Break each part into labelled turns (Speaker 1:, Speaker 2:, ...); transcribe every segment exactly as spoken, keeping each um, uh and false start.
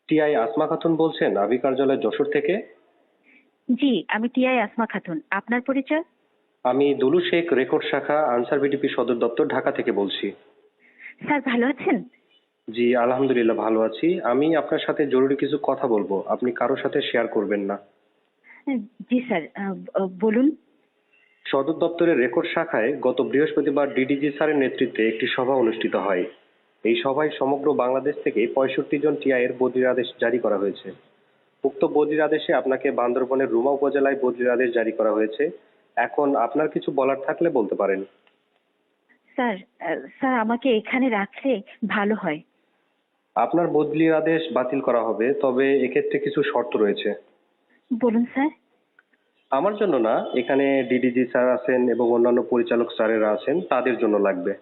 Speaker 1: TI Asma Khatun বলছেন আবি কার্যালয় যশোর থেকে?
Speaker 2: জি, আমি টিআই আসমা খাতুন। আপনার পরিচয়?
Speaker 1: আমি দুলু শেখ, রেকর্ড শাখা, আনসার বিডিপি সদর দপ্তর, ঢাকা থেকে বলছি।
Speaker 2: স্যার ভালো আছেন?
Speaker 1: জি আলহামদুলিল্লাহ ভালো আছি। আমি আপনার সাথে জরুরি কিছু কথা বলবো, আপনি কারোর সাথে শেয়ার করবেন না।
Speaker 2: জি স্যার, আহ, আহ, বলুন।
Speaker 1: সদর দপ্তরের রেকর্ড শাখায় গত বৃহস্পতিবার ডিডিজি স্যারের নেতৃত্বে একটি সভা অনুষ্ঠিত হয়। এই সভায় সমগ্র বাংলাদেশ থেকে পঁয়ষট্টি জন টিআই এর বদলির আদেশ জারি করা হয়েছে। উক্ত বদলির আদেশে আপনাকে বান্দরবনের রুমা উপজেলায় বদলির আদেশ জারি করা হয়েছে। এখন আপনার কিছু বলার থাকলে বলতে পারেন।
Speaker 2: স্যার, আহ, স্যার আমাকে এখানে রাখলে ভালো হয়।
Speaker 1: আপনার বদলির আদেশ বাতিল করা হবে, তবে এক্ষেত্রে কিছু শর্ত রয়েছে।
Speaker 2: বলুন স্যার।
Speaker 1: আমার জন্য না, এখানে ডিডিজি স্যার আছেন এবং অন্যান্য পরিচালক স্যারেরা আছেন, তাদের জন্য লাগবে।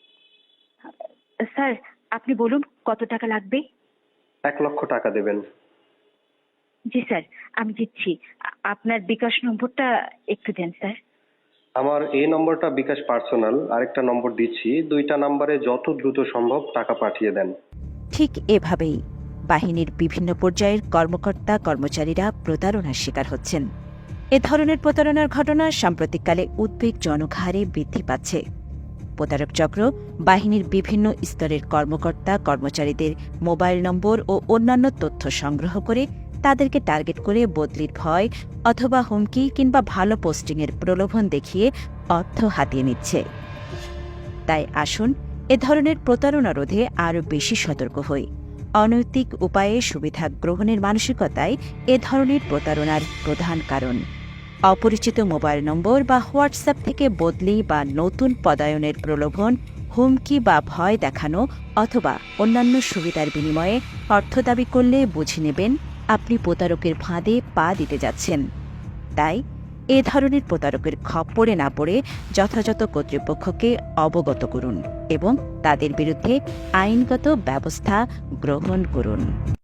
Speaker 2: স্যার আপনি বলুন কত টাকা লাগবে?
Speaker 1: এক লক্ষ টাকা দেবেন।
Speaker 2: জি স্যার, আমি দিচ্ছি। আ- আপনার বিকাশ নম্বরটা একটু দেন স্যার।
Speaker 1: আমার এই নম্বরটা বিকাশ পার্সোনাল, আরেকটা নম্বর দিচ্ছি, দুইটা নম্বরে যত দ্রুত সম্ভব টাকা পাঠিয়ে দেন।
Speaker 3: ঠিক এভাবেই বাহিনীর বিভিন্ন পর্যায়ের কর্মকর্তা কর্মচারীরা প্রতারণার শিকার হচ্ছেন। এ ধরনের প্রতারণার ঘটনা সাম্প্রতিককালে উদ্বেগজনক হারে বৃদ্ধি পাচ্ছে। প্রতারক চক্র বাহিনীর বিভিন্ন স্তরের কর্মকর্তা কর্মচারীদের মোবাইল নম্বর ও অন্যান্য তথ্য সংগ্রহ করে তাদেরকে টার্গেট করে বদলির ভয় অথবা হুমকি কিংবা ভালো পোস্টিংয়ের প্রলোভন দেখিয়ে অর্থ হাতিয়ে নিচ্ছে। তাই আসুন এ ধরনের প্রতারণা রোধে আরও বেশি সতর্ক হই। অনৈতিক উপায়ে সুবিধা গ্রহণের মানসিকতাই এ ধরনের প্রতারণার প্রধান কারণ। অপরিচিত মোবাইল নম্বর বা হোয়াটসঅ্যাপ থেকে বদলি বা নতুন পদায়নের প্রলোভন, হুমকি বা ভয় দেখানো অথবা অন্যান্য সুবিধার বিনিময়ে অর্থ দাবি করলে বুঝে নেবেন আপনি প্রতারকের ফাঁদে পা দিতে যাচ্ছেন। তাই এ ধরনের প্রতারকের খপ্পরে না পড়ে যথাযথ কর্তৃপক্ষকে অবগত করুন এবং তাদের বিরুদ্ধে আইনগত ব্যবস্থা গ্রহণ করুন।